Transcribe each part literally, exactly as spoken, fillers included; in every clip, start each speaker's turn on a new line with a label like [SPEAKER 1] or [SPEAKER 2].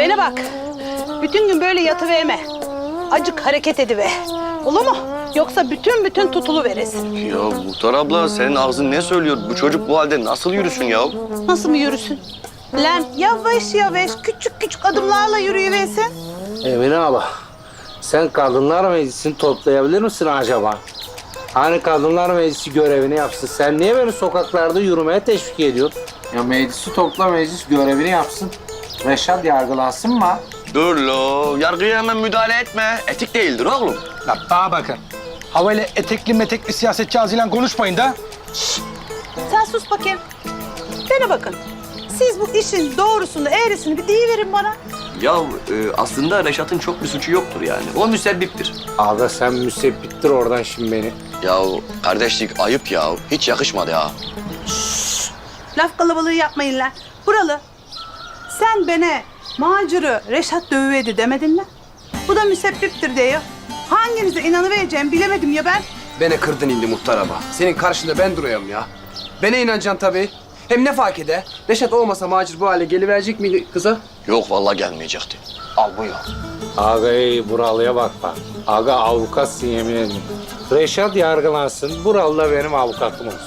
[SPEAKER 1] Bana bak. Bütün gün böyle yatıverme. Acık hareket ediver. Olur mu? Yoksa bütün bütün tutulu veresin.
[SPEAKER 2] Ya Muhtar abla senin ağzın ne söylüyor? Bu çocuk bu halde nasıl yürüsün ya?
[SPEAKER 1] Nasıl mı yürüsün? Lan yavaş yavaş küçük küçük adımlarla yürüyüversin.
[SPEAKER 3] Emine abla, sen Kadınlar Meclisi'ni toplayabilir misin acaba? Hani Kadınlar Meclisi görevini yapsın. Sen niye beni sokaklarda yürümeye teşvik ediyorsun? Ya meclisi topla, meclis görevini yapsın. Reşat yargılansın mı?
[SPEAKER 2] Dur lo, yargıya hemen müdahale etme. Etik değildir oğlum.
[SPEAKER 4] La bana bakın. Havayla etekli metekli siyasetçi ağzıyla konuşmayın da.
[SPEAKER 1] Sen sus bakayım. Bana bakın. Siz bu işin doğrusunu, eğrisini bir deyiverin bana.
[SPEAKER 2] Ya e, aslında Reşat'ın çok bir suçu yoktur yani. O müsebbiptir.
[SPEAKER 3] Aga sen müsebbittir oradan şimdi beni.
[SPEAKER 2] Ya kardeşlik ayıp ya. Hiç yakışmadı ya.
[SPEAKER 1] Laf kalabalığı yapmayın lan. Buralı. Sen bana macırı Reşat dövüverdi demedin mi? Bu da müsebbiptir diyor. Hanginize inanıvereceğim bilemedim ya ben.
[SPEAKER 5] Beni kırdın indi muhtar ama. Senin karşında ben duruyorum ya. Bana inanacaksın tabii. Hem ne fark eder? Reşat olmasa Macir bu hale geliverecek miydi kıza?
[SPEAKER 2] Yok vallahi gelmeyecekti. Al buyur.
[SPEAKER 3] Aga ey buralıya bak bak. Aga avukatsın yemin ederim. Reşat yargılansın. Buralı da benim avukatım olsun.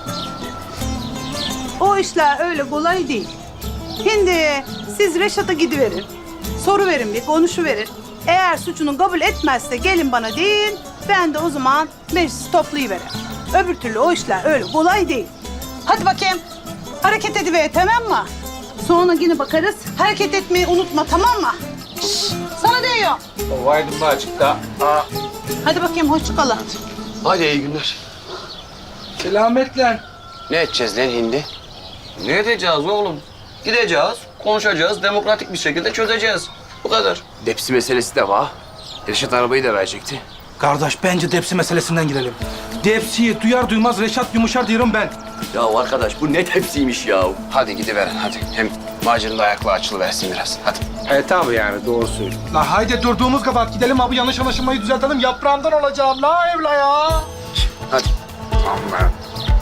[SPEAKER 1] O işler öyle kolay değil. Şimdi siz Reşat'a gidiverin. Soru verin bir, konuşuverin. Eğer suçunu kabul etmezse gelin bana deyin. Ben de o zaman meclisi toplayıveririm. Öbür türlü o işler öyle kolay değil. Hadi bakayım. Hareket ediver tamam mı? Sonra yine bakarız. Hareket etmeyi unutma tamam mı? Şşş, sana diyor.
[SPEAKER 3] Ovaydın mı açıkta? Aa.
[SPEAKER 1] Hadi bakayım hoşça kalın.
[SPEAKER 2] Hadi iyi günler.
[SPEAKER 4] Selametle.
[SPEAKER 2] Ne edeceğiz lan hindi? Ne edeceğiz oğlum? Gideceğiz, konuşacağız, demokratik bir şekilde çözeceğiz. Bu kadar.
[SPEAKER 5] Depsi meselesi de var. Reşat arabayı da verecekti.
[SPEAKER 4] Kardeş bence Depsi meselesinden girelim. Depsi'yi duyar duymaz Reşat yumuşar diyorum ben.
[SPEAKER 2] Ya arkadaş bu ne tepsiymiş ya.
[SPEAKER 5] Hadi gidiverin hadi. Hem Macir'in de ayakları açılıversin biraz. Hadi.
[SPEAKER 3] E tabii yani doğru söylüyorsun.
[SPEAKER 4] La haydi durduğumuz kadar gidelim abi yanlış anlaşılmayı düzeltelim. Yaprağımdan olacağım la evla ya.
[SPEAKER 5] Hadi.
[SPEAKER 3] Allah.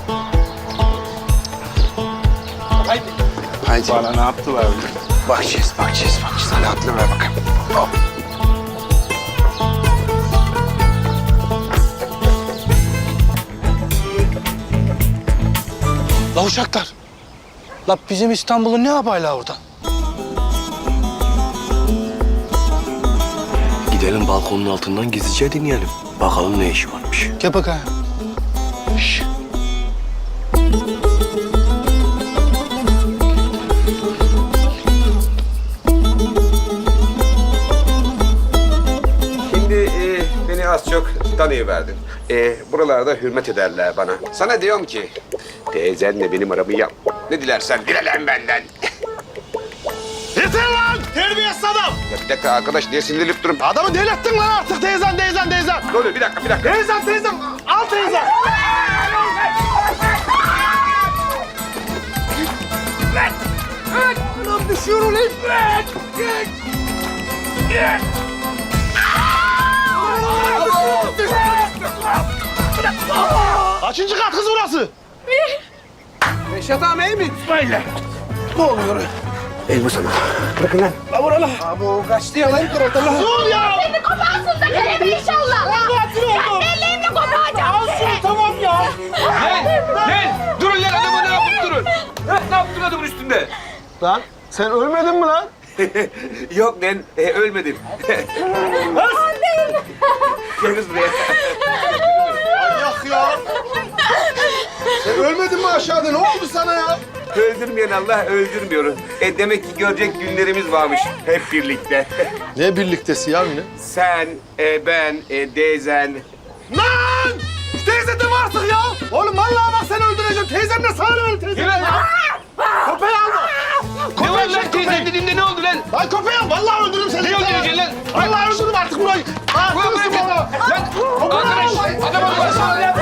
[SPEAKER 4] Haydi.
[SPEAKER 5] Haydi.
[SPEAKER 3] Bana ne yaptılar öyle?
[SPEAKER 5] Bakacağız, bakacağız, bakacağız. Hadi atlıver bakalım. Hop.
[SPEAKER 4] La uşaklar. La bizim İstanbul'un ne yapayla orada?
[SPEAKER 2] Gidelim balkonun altından gizlice dinleyelim. Bakalım ne işi varmış.
[SPEAKER 4] Gel bakayım.
[SPEAKER 2] Şş.
[SPEAKER 6] Şimdi e, beni az çok tanıyıverdin. E, buralarda hürmet ederler bana. Sana diyorum ki, teyzenle benim aramı yap. Ne dilersen dile lan benden.
[SPEAKER 4] Yeter lan! Terbiyesiz adam!
[SPEAKER 6] Ya bir dakika arkadaş, niye sinirlenip durun?
[SPEAKER 4] Adamı delirttin lan artık teyzen, teyzen, teyzen!
[SPEAKER 6] Ne oluyor? Bir dakika, bir dakika.
[SPEAKER 4] Teyzen, teyzen! Al teyzen! Lan düşüyor ulan! Kaçıncı kat kız burası?
[SPEAKER 5] Reşat ağam iyi mi?
[SPEAKER 4] Ne oluyor?
[SPEAKER 6] El bu sana. Bırakın lan.
[SPEAKER 4] La vurala!
[SPEAKER 5] Abi o kaçtı ya lan.
[SPEAKER 4] Dur ya!
[SPEAKER 7] Elini koparsın da kelebek inşallah.
[SPEAKER 4] Katil oldum!
[SPEAKER 7] Ellerini kopacağım.
[SPEAKER 4] Alsın tamam ya!
[SPEAKER 5] Lan durun lan adamı ne yapıp durun. Ha, ne yaptın adamın üstünde?
[SPEAKER 4] Lan sen ölmedin mi lan?
[SPEAKER 6] Yok lan, e, ölmedim. Gel kız buraya.
[SPEAKER 4] Yak ya! Sen ölmedin mi aşağıda? Ne oldu sana ya?
[SPEAKER 6] Öldürmeyen Allah öldürmüyor. E, demek ki görecek günlerimiz varmış hep birlikte.
[SPEAKER 4] Ne birliktesi ya yine?
[SPEAKER 6] Sen, e, ben, e, teyzen.
[SPEAKER 4] Lan! Teyze de mi artık ya? Oğlum vallahi bak seni öldüreceğim. Teyzem de sana öyle teyzem.
[SPEAKER 5] Gel lan.
[SPEAKER 4] Köpeği alma.
[SPEAKER 5] Ne var lan teyzem dediğimde ne oldu lan?
[SPEAKER 4] Lan köpeği al. Vallahi öldürürüm seni.
[SPEAKER 5] Ne öldüreceksin lan?
[SPEAKER 4] Vallahi öldürürüm artık burayı.
[SPEAKER 5] Ulan
[SPEAKER 4] Artık
[SPEAKER 5] bırakın.
[SPEAKER 4] bana.
[SPEAKER 5] Lan arkadaş adama baksana lan.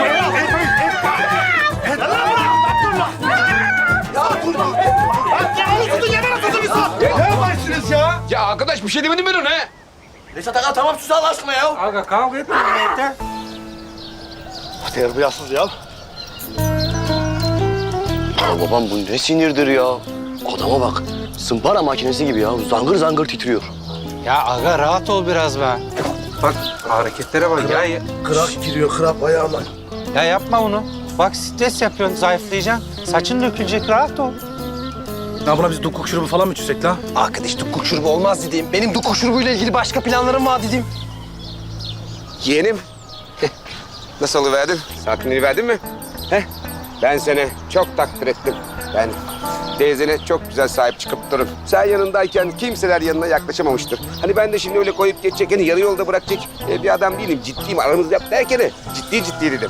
[SPEAKER 4] Ne başlıyorsunuz ya?
[SPEAKER 5] Ya arkadaş bir şey demedim ben ona.
[SPEAKER 2] Reşat Aga tamam sus Allah aşkına ya.
[SPEAKER 3] Aga kavga etmeyin yeter.
[SPEAKER 4] Terbiyesiz ya.
[SPEAKER 2] Ya babam bu ne sinirdir ya? Adama bak. Sımpara makinesi gibi ya. Zangır zangır titriyor.
[SPEAKER 3] Ya aga rahat ol biraz be. Bak hareketlere bak ya.
[SPEAKER 4] Kırak giriyor, kırak ayağına.
[SPEAKER 3] Ya yapma onu. Bak stres yapıyorsun, zayıflayacaksın. Saçın dökülecek, rahat ol.
[SPEAKER 4] Ya buna biz dukuk şurubu falan mı içsek la?
[SPEAKER 5] Arkadaş dukuk şurubu olmaz dediğim. Benim dukuk şurubuyla ilgili başka planlarım var dediğim.
[SPEAKER 6] Yeğenim. Nasıl oluverdin? Sakinliğini verdin mi? Heh. Ben seni çok takdir ettim. Ben teyzene çok güzel sahip çıkıp durun. Sen yanındayken kimseler yanına yaklaşamamıştır. Hani ben de şimdi öyle koyup geçecek, hani yarı yolda bırakacak e, bir adam değilim. Ciddiyim, aramızda yap derken de ciddi ciddi dedim.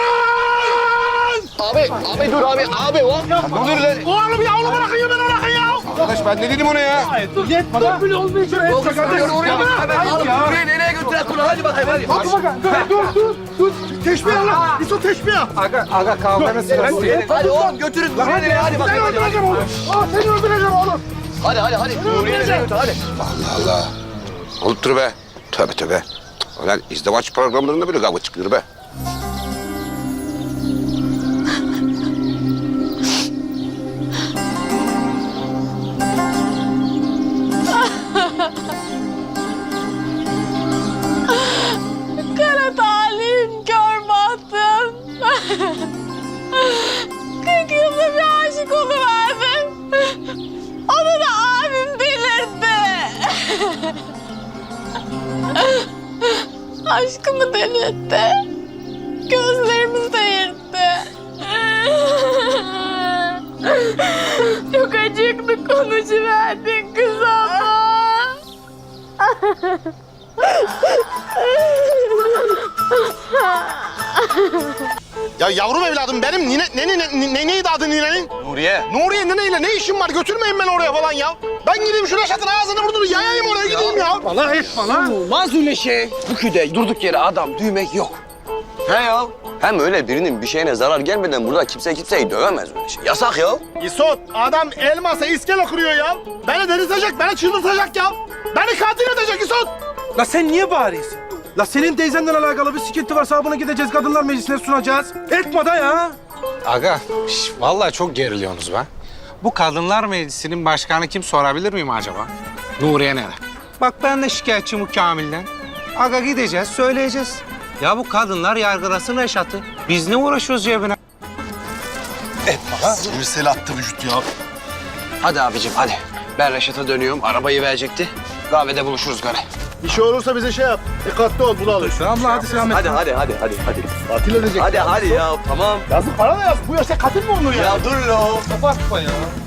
[SPEAKER 2] Abi, abi dur abi, abi o.
[SPEAKER 6] Dur lan.
[SPEAKER 4] Oğlum ya, onu bırakın ya, beni bırakın ya.
[SPEAKER 6] Arkadaş ben ne dedim ona ya?
[SPEAKER 4] Yetme lan. Dur bile olmayacak. Yetme kardeşim.
[SPEAKER 2] Buraya nereye götüren kulağı? Hadi bakayım hadi.
[SPEAKER 4] Hadi bakalım. Dur, dur, dur. Dur. Teşbih lan. Yusuf teşbih.
[SPEAKER 3] Aga, aga kavganın sırası değil.
[SPEAKER 2] Hadi oğlum götürün. Buraya nereye? Hadi
[SPEAKER 4] Seni
[SPEAKER 2] bakayım hadi.
[SPEAKER 4] öldüreceğim oğlum. Aa, seni öldüreceğim oğlum.
[SPEAKER 2] Hadi hadi hadi. Buraya nereye götür hadi.
[SPEAKER 6] Allah Allah. Olup dur be. Tövbe tövbe. Ulan izdivaç programlarında bile kavga çıkıyor be.
[SPEAKER 7] Kara talim kör bahtım. Kırk yılda bir aşık oluverdim. Onu da abim delirtti. Aşkımı delirtti. Gözlerimi seyirtti. Çok acıklı konuşuverdin kız ama.
[SPEAKER 4] Ya yavrum evladım benim nine, ne, ne, ne, ne, neydi adı ninenin?
[SPEAKER 2] Nuriye.
[SPEAKER 4] Nuriye neneyle ne işim var? Götürmeyin beni oraya falan ya. Ben gideyim şu Reşat'ın ağzını burnunu yayayım oraya gideyim ya. Bana etme lan.
[SPEAKER 5] Olmaz öyle şey. Bu köyde durduk yere adam düğmek yok.
[SPEAKER 2] He ya. Hem öyle birinin bir şeyine zarar gelmeden burada kimse kimseyi dövemez öyle şey. Yasak ya.
[SPEAKER 4] İsot adam elmasa iskele kuruyor ya. Beni delirtecek, beni çıldırtacak ya. Beni katil edecek İsot.
[SPEAKER 8] La sen niye bağırıyorsun? La senin teyzenden alakalı bir sıkıntı varsa bunu gideceğiz kadınlar meclisine sunacağız. Etme da ya.
[SPEAKER 3] Aga, şş, vallahi çok geriliyorsunuz be. Bu kadınlar meclisinin başkanı kim sorabilir miyim acaba? Nuriye nene. Bak ben de şikayetçiyim bu Kamil'den. Aga gideceğiz, söyleyeceğiz. Ya bu kadınlar yargılasın Reşat'ı. Biz ne uğraşıyoruz cebine?
[SPEAKER 4] Sirsel attı vücut ya.
[SPEAKER 5] Hadi abicim hadi. Ben Reşat'a dönüyorum. Arabayı verecekti. Kahvede buluşuruz gari.
[SPEAKER 4] Bir şey olursa bize şey yap. Dikkatli ol, bulalım.
[SPEAKER 8] Abla hadi selamet.
[SPEAKER 2] Hadi hadi hadi hadi hadi.
[SPEAKER 4] Katil edecek.
[SPEAKER 2] Hadi hadi ya tamam.
[SPEAKER 4] Yazık para da yazık. Bu yaşta katil mi olur ya?
[SPEAKER 2] Ya dur lo.
[SPEAKER 8] Bakma ya.